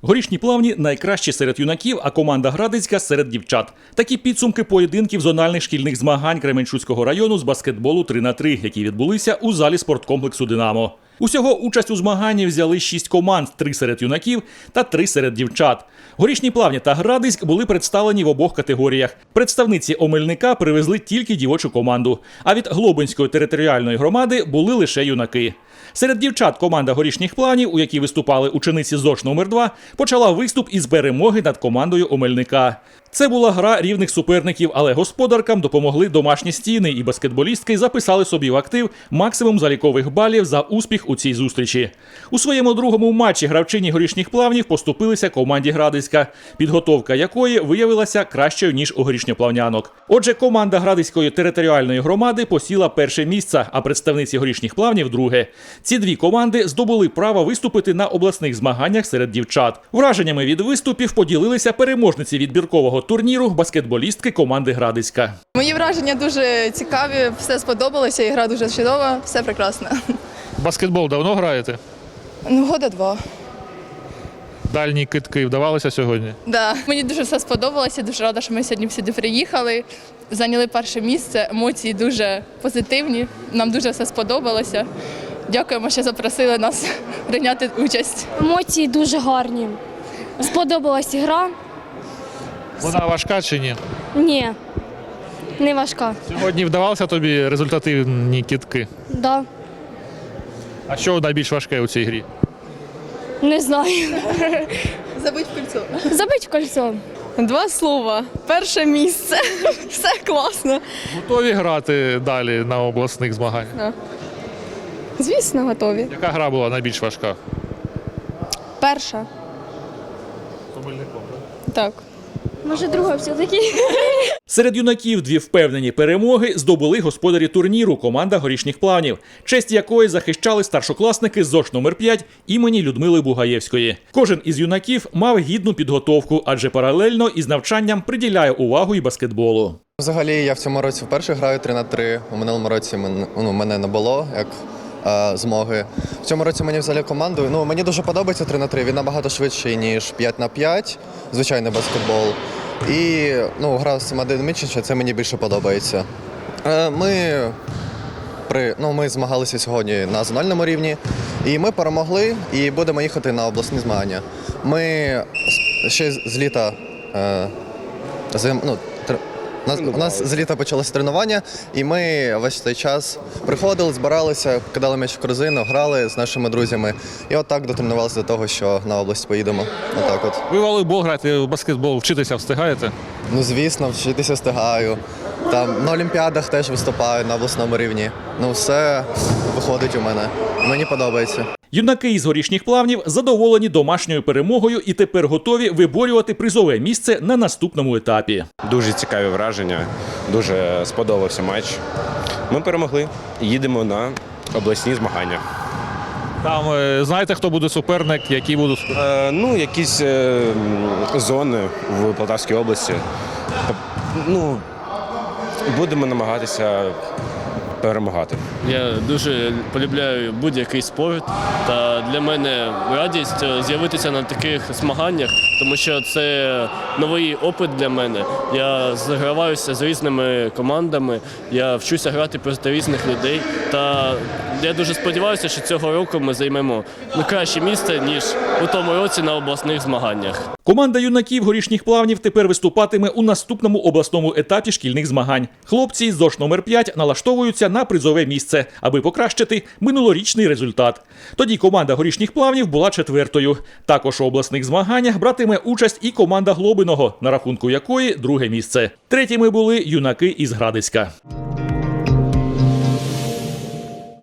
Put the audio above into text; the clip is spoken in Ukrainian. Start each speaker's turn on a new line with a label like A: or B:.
A: Горішні Плавні найкращі серед юнаків, а команда Градицька серед дівчат. Такі підсумки поєдинків зональних шкільних змагань Кременчуцького району з баскетболу 3х3, які відбулися у залі спорткомплексу «Динамо». Усього участь у змаганні взяли 6 команд, 3 серед юнаків та 3 серед дівчат. Горішні Плавні та Градицьк були представлені в обох категоріях. Представниці Омельника привезли тільки дівочу команду, а від Глобинської територіальної громади були лише юнаки. Серед дівчат команда Горішніх Плавнів, у якій виступали учениці ЗОШ номер 2, почала виступ із перемоги над командою Омельника. Це була гра рівних суперників, але господаркам допомогли домашні стіни, і баскетболістки записали собі в актив максимум залікових балів за успіх у цій зустрічі. У своєму другому матчі гравчині Горішніх Плавнів поступилися команді Градицька, підготовка якої виявилася кращою, ніж у горішньоплавнянок. Отже, команда Градицької територіальної громади посіла перше місце, а представниці Горішніх Плавнів – друге. Ці дві команди здобули право виступити на обласних змаганнях серед дівчат. Враженнями від виступів поділилися переможниці відбіркового турніру баскетболістки команди Градицька.
B: Мої враження дуже цікаві, все сподобалося, і гра дуже чудова, все прекрасно.
C: Баскетбол давно граєте?
B: Года 2.
C: Дальні кидки вдавалися сьогодні?
B: Да. Мені дуже все сподобалося, дуже рада, що ми сьогодні сюди приїхали, зайняли перше місце, емоції дуже позитивні, нам дуже все сподобалося. Дякуємо, що запросили нас прийняти участь.
D: Емоції дуже гарні. Сподобалась гра.
C: Вона важка чи ні?
D: Ні, не важка.
C: Сьогодні вдавалися тобі результативні кидки?
D: Да.
C: А що найбільш важке у цій грі?
D: Не знаю.
B: Забудь кольцо.
D: Забить кольцо.
E: 2 слова. Перше місце. Все класно.
C: Готові грати далі на обласних змаганнях?
E: Звісно, готові.
C: Яка гра була найбільш важка?
E: Перша. Так.
D: Може, друга все-таки.
A: Серед юнаків дві впевнені перемоги здобули господарі турніру команда Горішніх Плавнів, честь якої захищали старшокласники з ЗОШ номер 5 імені Людмили Бугаєвської. Кожен із юнаків мав гідну підготовку, адже паралельно із навчанням приділяє увагу і баскетболу.
F: Взагалі, я в цьому році вперше граю 3х3. У минулому році мене не було як змоги. В цьому році мені взяли команду. Мені дуже подобається 3х3. Він набагато швидший, ніж 5х5, звичайний баскетбол. І гра сама динамічніша, це мені більше подобається. Ми змагалися сьогодні на зональному рівні, і ми перемогли, і будемо їхати на обласні змагання. Ми ще з літа у нас з літа почалося тренування, і ми весь цей час приходили, збиралися, кидали м'яч в корзину, грали з нашими друзями. І отак дотренувалися до того, що на область поїдемо. Отак от.
C: Ви волейбол граєте, в баскетбол вчитися встигаєте?
F: Звісно, вчитися встигаю. Там на олімпіадах теж виступаю на обласному рівні. Все виходить у мене. Мені подобається.
A: Юнаки із Горішніх Плавнів задоволені домашньою перемогою і тепер готові виборювати призове місце на наступному етапі.
G: Дуже цікаві враження, дуже сподобався матч. Ми перемогли, їдемо на обласні змагання.
C: Там знаєте, хто буде суперник, які будуть?
G: Якісь зони в Полтавській області. Будемо намагатися перемагати.
H: Я дуже полюбляю будь-який спорт, та для мене радість з'явитися на таких змаганнях, тому що це новий опит для мене. Я зіграваюся з різними командами, я вчуся грати проти різних людей, та я дуже сподіваюся, що цього року ми займемо краще місце, ніж у тому році на обласних змаганнях.
A: Команда юнаків Горішніх Плавнів тепер виступатиме у наступному обласному етапі шкільних змагань. Хлопці з ЗОШ номер 5 налаштовуються на призове місце, аби покращити минулорічний результат. Тоді команда Горішніх Плавнів була 4-ю. Також у обласних змаганнях братиме участь і команда Глобиного, на рахунку якої 2-е місце. 3-ми були юнаки із Градицька.